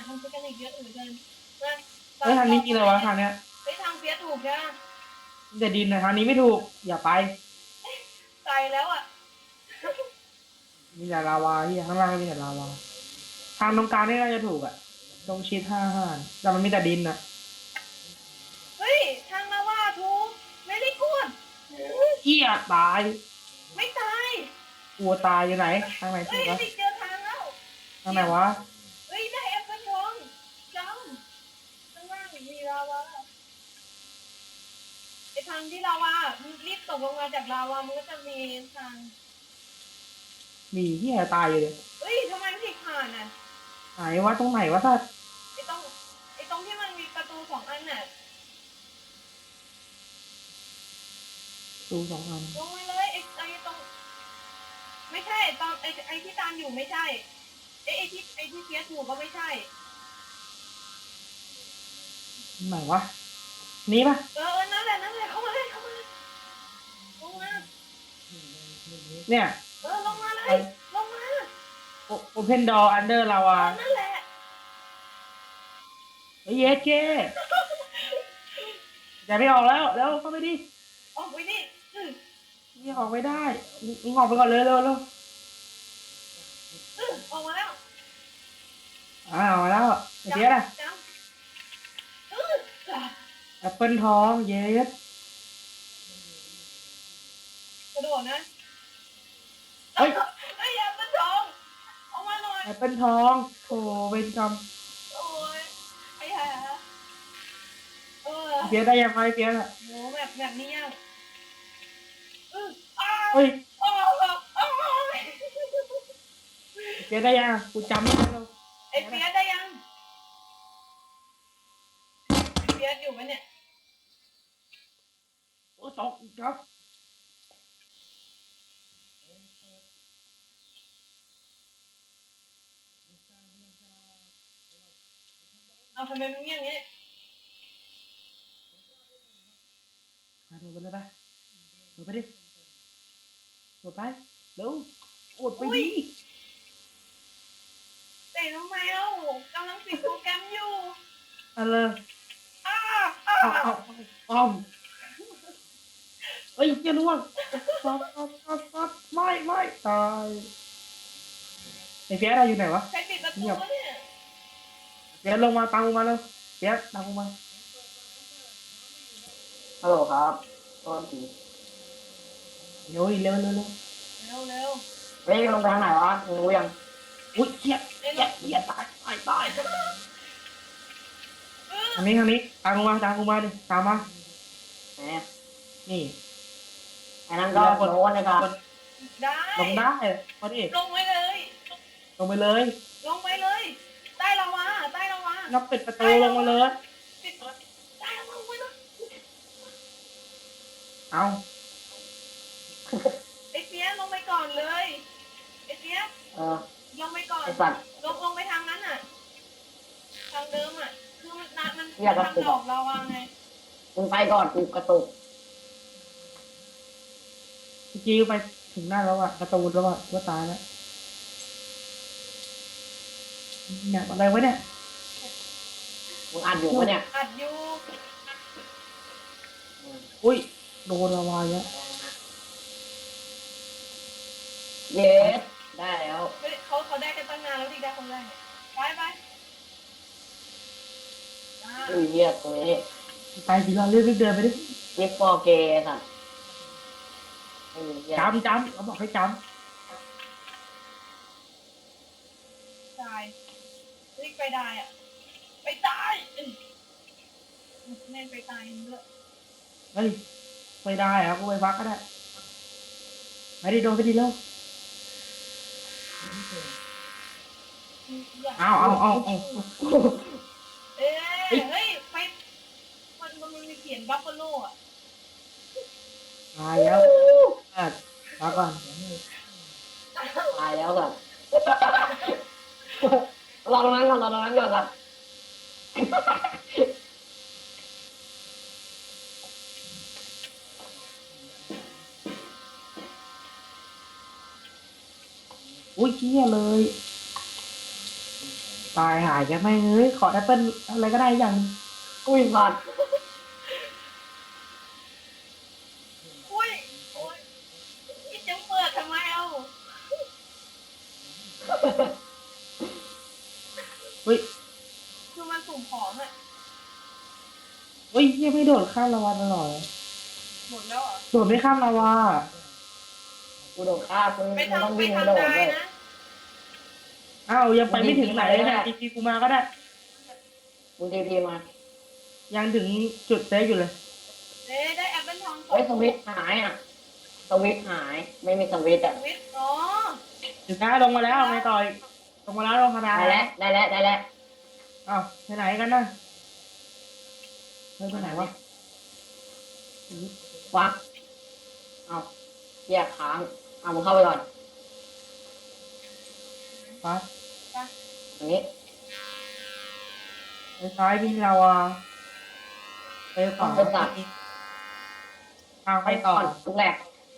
ทำเทคนิคเยอะเหลือเกินมาเฮ้ยทางนี้มีอะไรวะทางเนี้ยไปทางเฟียสถูกใช่ไหมมีแต่ดินนะทางนี้ไม่ถูกอย่าไปไกลแล้วอ่ะมีแต่ลาวาที่ข้างล่างมีแต่ลาวาทางตรงกลางนี่น่าจะถูกอ่ะตรงชิด5 5แต่มันมีแต่ดินอ่ะเฮ้ยทางมาว่าถูกไม่ได้กวดเอี้ยตายไม่ตายกลัวตายอยู่ไหนทางไหนถูเฮ้ยกวะเจอทางแล้วทางไหนวะเฮ้ยได้แอปเปิลทองจำข้างล่างมีลาวาไอทางที่ลาวามึงรีบตกลงมาจากลาวามันก็จะมีทางมีเหี้ยตายอยู่เลยเฮ้ยทำไมไม่ถึงผ่านอ่ะไหนวะตรงไหนวะท่านไอตรงที่มันมีประตู2 อันน่ะดู2 อันลงมาเลยไอตรงไม่ใช่ตอนไอที่ตามอยู่ไม่ใช่ไอที่เฟียสถูกก็ไม่ใช่ไหนวะนี้ปะนั่นแหละเข้ามาเลยลงมาเนี่ยลงมาเลยลงมา Open door under lava นั่นแหละเฮ้ยเยสเก้อย่าไม่ออกแล้วแล้วเข้าไปดิออกไปนี่นี่ออกไม่ได้มึงออกไปก่อนเลยเร็วเร็วออกมาแล้วออกมาแล้วไอ้เจ๊อะจังแอปเปิลทองเยสกระโดดนะเฮ้ยไอ้ยามันทองออกมาหน่อยแอปเปิลทองโถเวรกรรมโอ้ยไอ้ห่าเจ๊ได้ยังไงเจ๊อะโหแบบนี้ยังเฮ้ยโอ้ยเจ๊ได้ยังกูจำไม่ได้แล้วไอ้เฟียสได้ยังไอ้เฟียสอยู่ไหมเนี่ยโอ้ตกอีกครับเอาทำไมมึงอย่างนี้มาดูไปเลยไปดูไปดิดูไปเร็วกดไปดิแต่ทำไมเล่ากำลังปิดโปรแกรมอยู่อะไร เอาเฮ้ยเจ้าล่วงปั๊บไม่ตายไอ้เฟียสอะไรอยู่ไหนวะใครปิดประตูวะเนี่ยเฟียสลงมาตามกูมาเลยเฟียสตามกูมาฮัลโหลครับโทษทีเร็วดิเร็วเร็วเฮ้ยลงไปทางไหนวะมึงรู้ยังอุ้ยเหี้ยตายทางนี้ตามกูมาดิตามมาแหมนี่ไอ้นั่นก็โน้นนะครับได้ลงได้พอดิลงไปเลยลงไปเลยใต้ลาวานับปิดประตูลงมาเลยปิดใต้ลาวาไว้นะเอาไอ้เฟียสลงไปก่อนเลยไอ้เฟียสเออลงไปก่อนไอ้สัตว์ลงไปทางนั้นอ่ะ ทางเดิมอ่ะ คือมันทำอยากกระตุกดอกลาวาไงมึงไปก่อนกูกระตุกเมื่อกี้ไปถึงหน้าแล้วอะประตูแล้วอะว่าตายแล้วเนี่ยอะไรวะเนี่ยมึงอัดอยู่ปะเนี่ยอัดอยู่อุ้ยโดนละวายแล้วเยสได้แล้วเฮ้ยเขาได้กันตั้งนานแล้วดิได้คนแรกเนี่ยไปอ่าอุ้ยเหี้ยตัวนี้ไปสิเราเรื่อยๆเดินไปดิยิปโปเกสัตว์ไม่มีเหี้ยจำเขาบอกให้จตายรีบไปได้อ่ะ ไปตายแม่งไปตายเยอะำเฮ้ยไปได้อะกูไปพักก็ได้ไปดิโดนไปดิเร็วเอาเฮ้ยไปมันมีเขียนบัฟฟาโลอ่ะตายแล้วพักก่อนตายแล้วสัตว์รอตรงนั้นก่อนสัตว์อุ้ยเกี้ยเลยตายหายแกไม่เฮ้ยขอแอปเปิลอะไรก็ได้อย่างอุ้ยสัตว์อุ้ยโอ้ยนี่จะเปิดทำไมเอาเฮ้ยคือมันสุ่มของอะเฮ้ยยังไม่โดดข้ามลาวาตลอดเลยหมดแล้วเหรอโดดไม่ข้ามลาวากูโดดฆ่ามึงไปมึงต้องทำไปวิ่งกระโดทำดได้เลยนะอ้าวยังไปไม่ถึงไหนเลยนะทีกูมาก็ได้มึงทีพีมายังถึงจุดเซฟอยู่เลยเอ๊ะได้แอปเปิลทองสอเฮ้ยงสวิตช์หายอ่ะสวิตช์หายไม่มีสวิตช์อ่ะวิทย์อ๋อถึงนะลงมาแล้วไม่ต่อยลงมาแล้วลงคาราได้แล้วได้แล้วได้แล้วอ้าวไปไหนกันนะเฮ้ยไปไหนวะวักเอาแยกค้างเอามึงเข้าไปก่อนไปอันนี้ไปซ้ายมีลาวาไปขวาทางไปต่อทุกแรก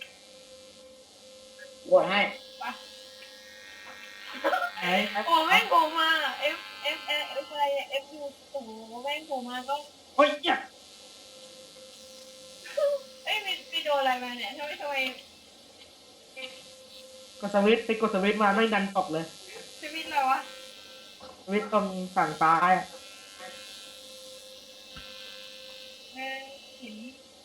บวชให้ไหนโอ้แม่งโผล่มา F อะไรเนี่ย F U โอ้โหแม่งโผล่มาก็เฮ้ยเนี่ยเอ้ยไปโดนอะไรมาเนี่ยทำไมกดสวิตช์ไปกดสวิตช์มาไม่ดันตกเลยชีวิตอะไรวะสวิตช์ตรงฝั่งซ้ายอะแม่งเห็น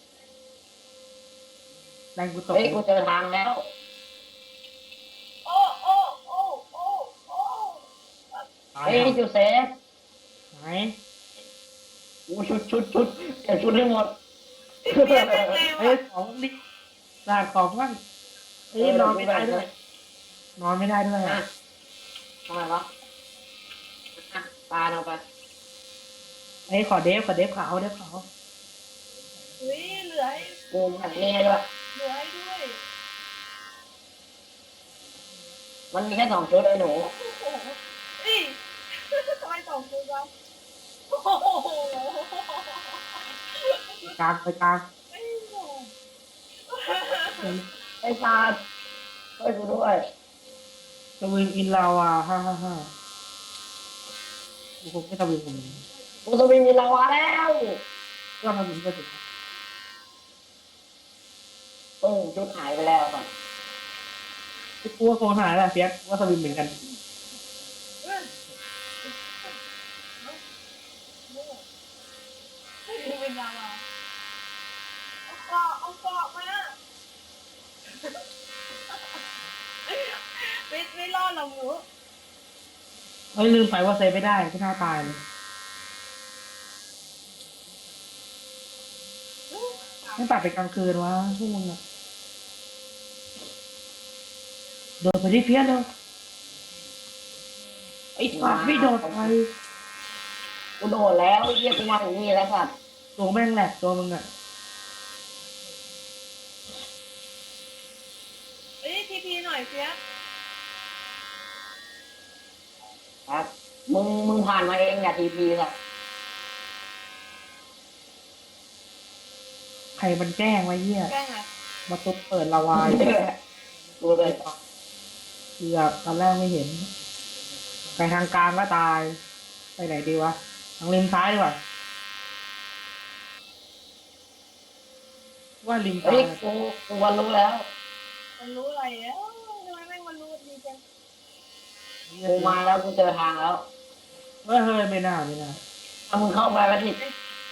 แรงกูตกเฮ้ยกูเจอทางแล้วโอ้โอ้โอ้โอ้โอ้ตายเฮ้ยจูเซฟไหนกูชุดเก็บชุดให้หมดเรียกแม่งเร็วเฮ้ยอะของดิลาดของบ้างเฮ้ยนอนไม่ได้ด้วย นอนไม่ได้ด้วยอ่ะอะทำไมวะอ่ะปาเอาไปเฮ้ยขอเดฟขาวเดฟขาวเฮ้ยเหลือให้กูแบบนี้ให้ด้วยเหลือให้ด้วยมันมีแค่2 ชุดไอ้หนูโอ้โหนี่ทำไมสองตัววะโอ้โหกลางไปกลางไอ้โหไอ้ตาช่วยกูด้วยสวิงอินลาวากูคงไม่สวิงผมกูจะวิ่งมีลาวาแล้วก็ทำถึงก็ถึงชุดหายไปแล้วก่อนกูว่าคงหายแหละเฟียสว่าสวิงเหมือนกันเอ้ยนี่เป็นยาวะเอาเกาะมาไม่รอดหรอกหนูเฮ้ยลืมไปว่าเซฟไม่ได้ก็น่าตายเลยไม่ตัดไปกลางคืนวะพวกมึงอะโดดไปที่เฟียสเร็วไอ้สัตว์ไม่โดดไปกูโดดแล้วไอ้เหี้ยกูมาถึงนี่แล้วสัตว์ตัวแม่งแหลกตัวมึงอะเอ้ยทีหน่อยเฟียสครับมึงผ่านมาเองอย่าทีพีสัตว์ใครมันแกล้งไว้เหี้ยแกล้งอะมาตุบเปิดละวายกูเลยเกือบตอนแรกไม่เห็น ไปทางกลางก็ตาย ไปไหนดีวะ ทางริมซ้ายดีกว่า ว่าริมซ้าเฮ้ยยกูวันรู้แล้วมันรู้อะไรอ่ะทำไมแม่งมันรู้ดีจังกูมาแล้วกูเจอทางแล้วเฮ้ยไม่น่าถ้ามึงเข้าไปแล้วผิด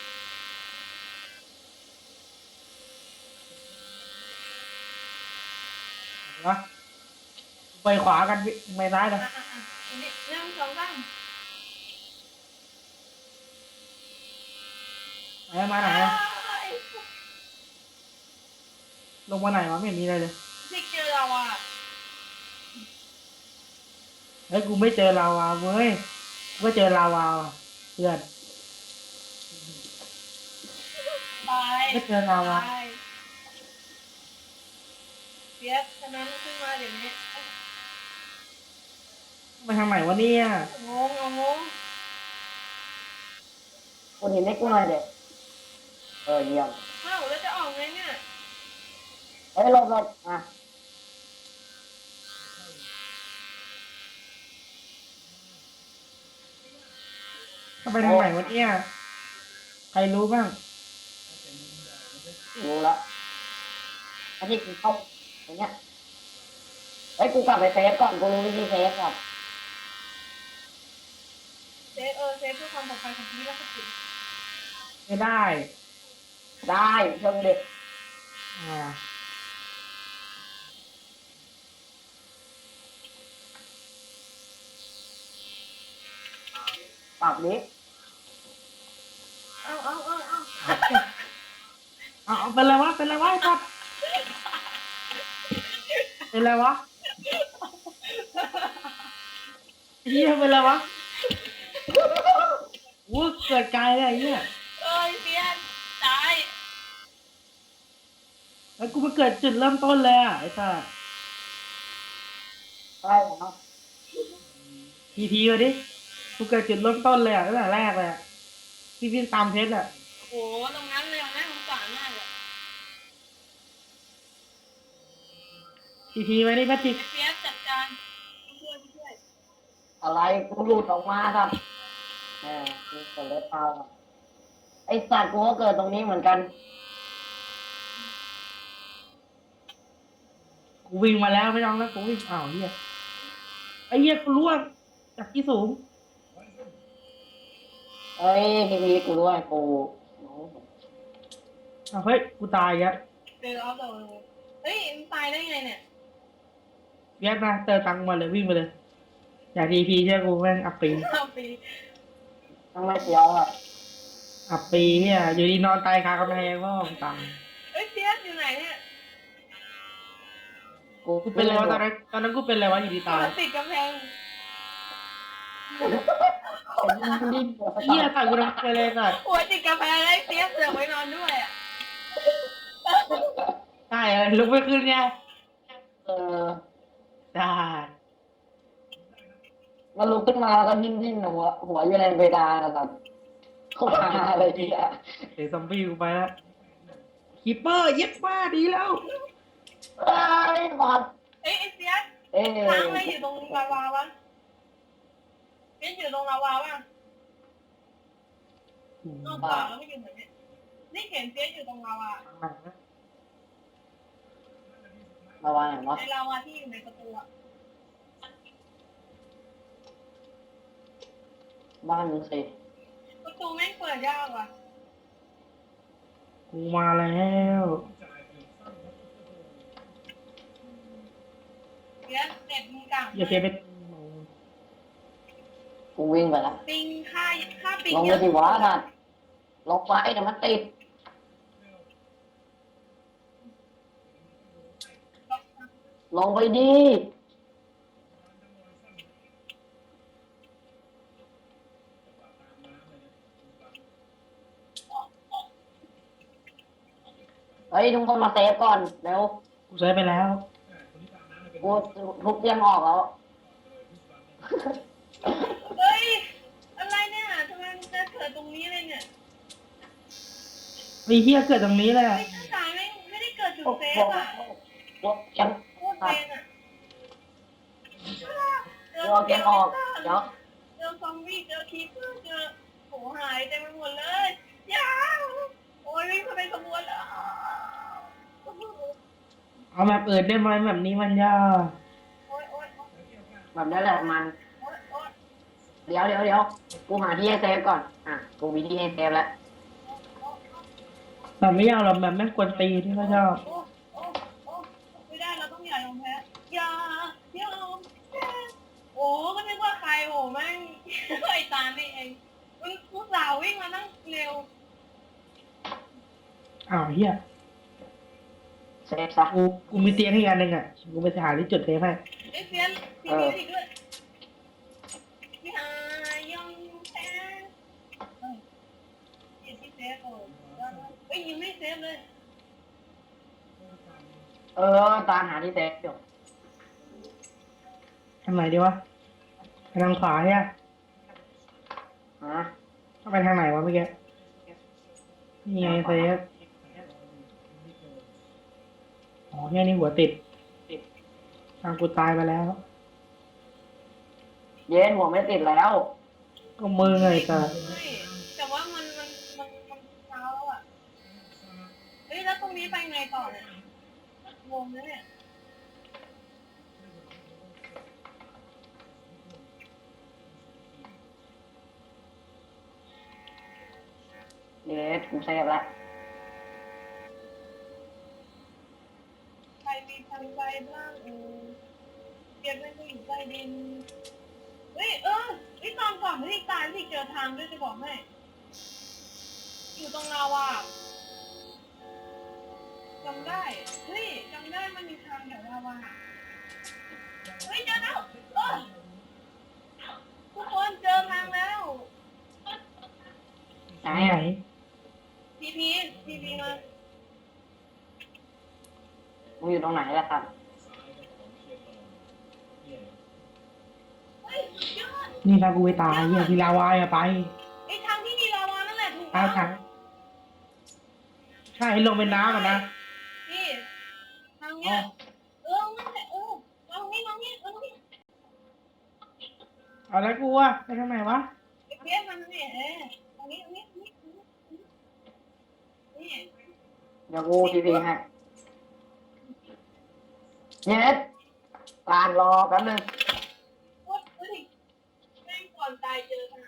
วะไปขวากันพี่ไปซ้ายเลยนี่1 2 3 ไหนมาไหนอะลงมาไหนวะไม่เห็นมีอะไรเลยพี่เจอเราอ่ะเฮ้ยกูไม่เจอลาวาเว้ยกูก็เจอลาวาว่ะเพื่อนตายไม่เจอลาวาตายเฟียสฉะนั้นขึ้นมาเดี๋ยวนี้มาทางไหนวะเนี่ยงงกูเห็นให้กูหน่อยเด็กเยี่ยมเอ้าแล้วจะออกไงเนี่ยเฮ้ยหลบอ่ะจะไปทางไหนวะเนี่ยใครรู้บ้างรู้แล้วไอ้ที่กูเข้าอย่างเงี้ยเฮ้ยกูกลับไปเซฟก่อนกูรู้วิธีเซฟก่อนเซฟเซฟเพื่อความปลอดภัยของชีวิตและทรัพย์สินไม่ได้ได้เชิงเด็กอ่าปรับนี้เอาเอาเป็นไรวะเป็นไรวะไอ้สัสเป็นไรวะไอ้เหี้ยเป็นไรวะวู้เกิดไกลเลยไอ้เหี้ยเพี้ยนตายแล้วกูมาเกิดจุดเริ่มต้นเลยอ่ะไอ้สัสได้แล้วทีมาดิกูเกิดจุดเริ่มต้นเลยอ่ะตั้งแต่แรกเลยอ่ะที่วิ่งตามเพชรอ่ะโอ้ตรงนั้นเลยน่าสงสารมากเลยทีมาดิแมทริกเพี้ยนจัดการช่วยอะไรกูหลุดออกมาครับกูเกิดเล็บเท้าครับไอสัตว์กูก็เกิดตรงนี้เหมือนกันกูวิ่งมาแล้วไม่ต้องแล้วกูวิ่งอ้าวเหี้ยไอ้เหี้ยกูร่วงจากที่สูงเอ้ยพีกูด้วยกูอ้าวเฮ้ยกูตายอีกแล้วเอาเดี๋ยวเฮ้ยมันตายได้ไงเนี่ยเวียดมาเติมตังค์มาเลยวิ่งไปเลยอยากทีเชื่อกูแม่งอัปปีเอาปีต้องไม่เสียวอ่ะอับปีเนี่ยอยู่ดีนอนตายคากำแพงก็ตายเพี้ยนอยู่ไหนเนี่ยกูเป็นอะไรวะตอนนั้นกูเป็นอะไรวะอยู่ดีตายติดกำแพงดิ้นเหี้ยตายกูทำไปเลยสัตว์หัวติดกำแพงแล้วเพี้ยนเสือกไว้นอนด้วยอ่ะได้ลุกไม่ขึ้นไงเออได้มันลุกขึ้นมาแล้วก็ดิ้นหัวอยู่ในเพดานนะครับเข้ามาอะไรดีอ่ะเดี๋ยวซอมบี้กูไปแล้วคีปเปอร์เย็ดมาดีแล้วเอ้ยบอดไอ้เพี้ยนเอ้ยค้างไว้อยู่ตรงลาวาวะเพี้ยนอยู่ตรงลาวาวะนอกจากแล้วไม่อยู่เหมือนเนี่ยนี่เห็นเพี้ยนอยู่ตรงลาวาระวังหน่อยวะในลาวาที่อยู่ในประตูอะบ้านมึงสิประตูแม่งเปิดยากว่ะกูมาแล้วเพี้ยนเน็ตมึงกลางอย่าเพียไปกูวิ่งไปแล้วปิงค่าปิงลงไปสิวะท่านลงไปเดี๋ยวมันติดลงไปดีเฮ้ยทุกคนมาเซฟก่อนเร็วกูใช้ไปแล้วกูทุบเตียงออกแล้วเฮ้ยอะไรเนี่ยทำไมมันจะเกิดตรงนี้เลยเนี่ยไอ้เหี้ยเกิดตรงนี้แหละไม่ใช่สายไม่ได้เกิดจุดโอ้เซโหฟอะยังโคตรเป็นอะรอเตียงออกเดี๋ยวเจอซอมบี้เจอคีเปอร์เจอโหหายเต็มไปหมดเลยยาวโอ้ยวิ่งเข้าไปขบวนแล้วเอาแบบอื่นได้ไหมแบบนี้มันยากโอ้ยแบบนี้แหละมัน เดี๋ยวกูหาที่ให้เซฟก่อนกูมีที่ให้เซฟแล้วแบบไม่ยากหรอกแบบแม่งกวนตีที่เขาชอบไม่ได้เราต้องอย่ายอมแพ้อย่ายอมแพ้โอ้ก็นึกว่าใครโอ้แม่งไอ้ตานี่เองมึงผู้สาววิ่งมานั่งเร็วอ้าวเหี้ยเซฟซะกูมีเตียงให้อีกอันหนึ่งอ่ะกูไปหาที่จุดเทปให้ไอ้เฟียนทีนี้อีกด้วยอย่ายอมแพ้ที่เซฟเอ้ยยังไม่เซฟเลยตามหาที่เซฟอยู่ทางไหนดีวะไปทางขวาใช่ไหมฮะเข้าไปทางไหนวะเมื่อกี้นี่ไงเซฟอ๋อเนี่ยนี่หัวติดทางกูตายไปแล้วเย็นหัวไม่ติดแล้วก็ก็มือไงกันไม่แต่ว่ามันเช้าแล้วอ่ะเฮ้ยแล้วตรงนี้ไปไงต่อเนี่ยงงนะเนี่ยเดี๋ยวกูเซฟละใครมีทางใจบ้างเก็บเป็นผู้หญิงใจดินเฮ้ยตอนก่อนที่ตายที่เจอทางด้วยจะบอกให้อยู่ตรงลาวาจำได้เฮ้ยจำได้มันมีทางแถวลาวาเฮ้ยเจอแล้วทุกคนเจอทางแล้วไหนไหนทีพีมามึงอยู่ตรงไหนล่ะครับเฮ้ยสุดยอดนี่ถ้ากูไปตายเหี้ยที่ลาวาอะไปไอ้ทางที่มีลาวานั่นแหละถูกเอาถังใช่ลงเป็นน้ำอ่ะนะนี่ทางเนี้ยนั่นแหละลองนี่เอาแล้วกูอ่ะไปทางไหนวะไอ้เพี้ยมันเนี่ยตรงนี้นี่เดี๋ยวกูทีพีให้เย็ดการรอแป๊บนึงโอ๊ยเฮ้ยแม่งก่อนตายเจอทาง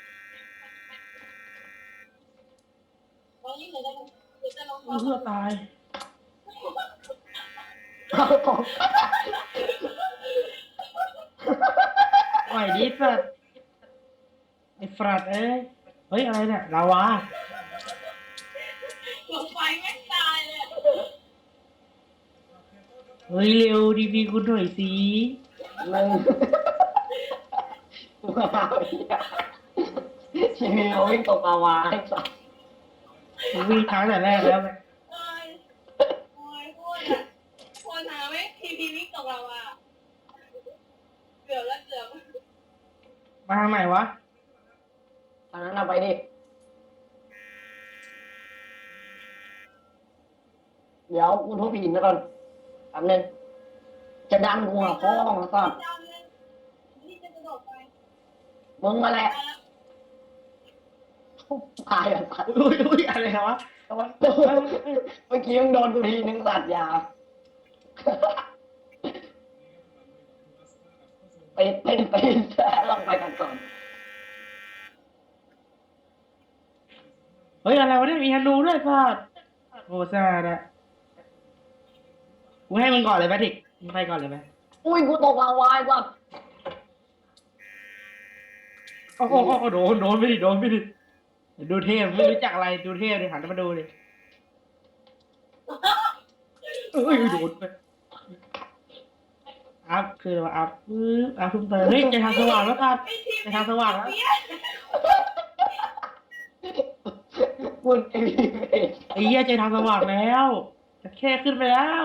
ตอนนี้เหมือนจะลองกูเพื่อตายเอาตกไหวดิสัตว์ไอ้ฟรัดเอ้ยเฮ้ยอะไรเนี่ยลาวาลงไปแม่งตายเลยเฮ้ยเร็วดีพีคุณหน่อยสิมึงกูเอาทีพีเขาวิ่งตกอาวาให้สัสกูวิ่งทางแต่แรกแล้วไงโอ้ยโคตรหาไหมทีพีวิ่งตกเราอ่ะเกือบมาทางไหนวะตอนนั้นเอาไปดิเดี๋ยวกูทุบหินแล้วก่อนแป๊บนึงจะดันกูหาพ่อมาสัสนี่จะกระโดดไปมึงมาแหละตายอ่ะสัสอุ้ยอะไรวะเมื่อกี้มึงโดนกูทีนึงสัตว์ยาเป็นลองไปกันก่อนเฮ้ยอะไรวะเนี่ยมีฮันนูด้วยสัตว์โอ้แซ่ดอะกูให้มึงก่อนเลยแพทริกมึงไปก่อนเลยไหมอุ้ยกูตกลาวายว่ะโอ้โหโดนไปดิดูเทพไม่รู้จักอะไรดูเทพเลยหันมาดูเลยเอ้ยโดนไปอัพคือว่าอัพอัพเพิ่มเติมเฮ้ยจะทางสว่างแล้วครับจะทางสว่างแล้วกูไอ้เด็กไอ้เหี้ยใจทางสว่างแล้วจะแค่ขึ้นไปแล้ว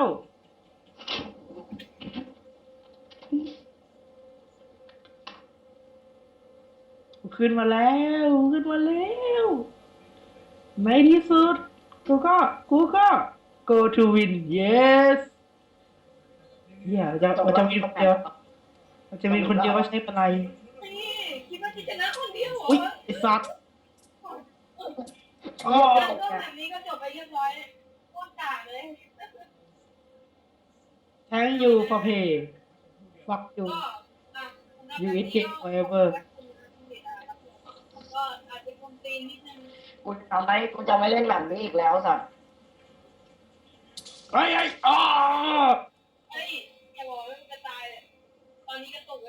ขึ้นมาแล้วในที่สุดกูก็ go to win yes เหี้ยมันจะมีคนเดียวว่าใช้อะไรนี่คิดว่าจะชนะคนเดียวเหรออุ้ยไอ้สัตว์อ๋อก็แบบนี้ก็จบไปเรียบร้อยโคตรด่าเลย thank you for pay fuck you ก็ you eat cake forever ก็อาจจะคนตีนนิดนึงกูจะไม่เล่นแบบนี้อีกแล้วสัตว์ไอ้อ๋อเฮ้ยอย่าบอกว่ามันจะตายเลยตอนนี้ก็ตกเลย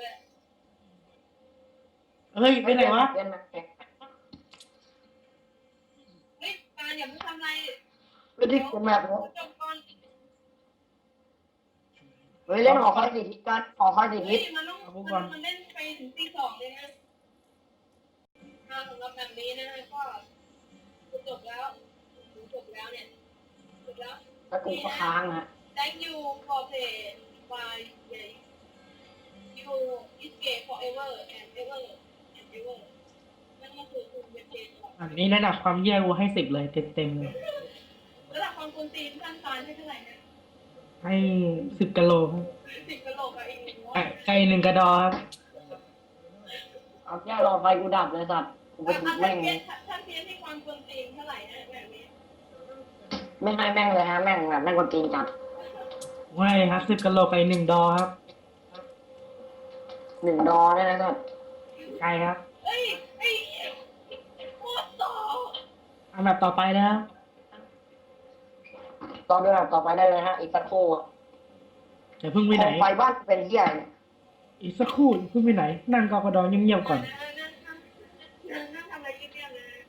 เฮ้ยไปไหนวะเล่นแบบเฮ้ยการอย่าเพิ่งทำอะไรไม่ได้กูแบบจบก่อนเฮ้ยเล่นหอคอยสี่ทิศกันหอคอยสี่เฮ้ทิยศมันเล่นไปถึงตี 2เลยนะสำหรับแบบนี้นะก็จบแล้วเนี่ยจบแล้วแล้วกูก็ค้างนะ Thank you for play by you escape forever and ever and ever นั่นก็คือคุณเป็นเจนอันนี้ระดับความแย่กูให้10เลยเต็มเลยระดับความคุณตีนขั้นตอนให้เท่าไหร่นะให้10 กะโหลครับ 10 กะโหลกกับอีก1 ไก่1 กระดอครับเอาแค่รอไฟกูดับเลยสัตว์กูไปถูกแม่งถ้าเทียนที่ความกวนตีนเท่าไหร่นะแบบนี้ไม่ให้แม่งเลยฮะแม่งแบบแม่งคนจีนจัดไม่ครับ10กะโหลกไอ1 ดอครับ 1 ดอเนี่ยนะสัตว์ใช่ครับเอ้ยไอ้โคตรต่ออันดับต่อไปนะครับต่อด้วยนะต่อไปได้เลยฮะ อีกสักครู่อย่าเพิ่งไปไหนโคมไฟบ้านเป็นเหี้ยอะไรเนี่ยอีกสักครู่อย่าเพิ่งไปไหน นั่งกอกระดองเงียบๆก่อนนะ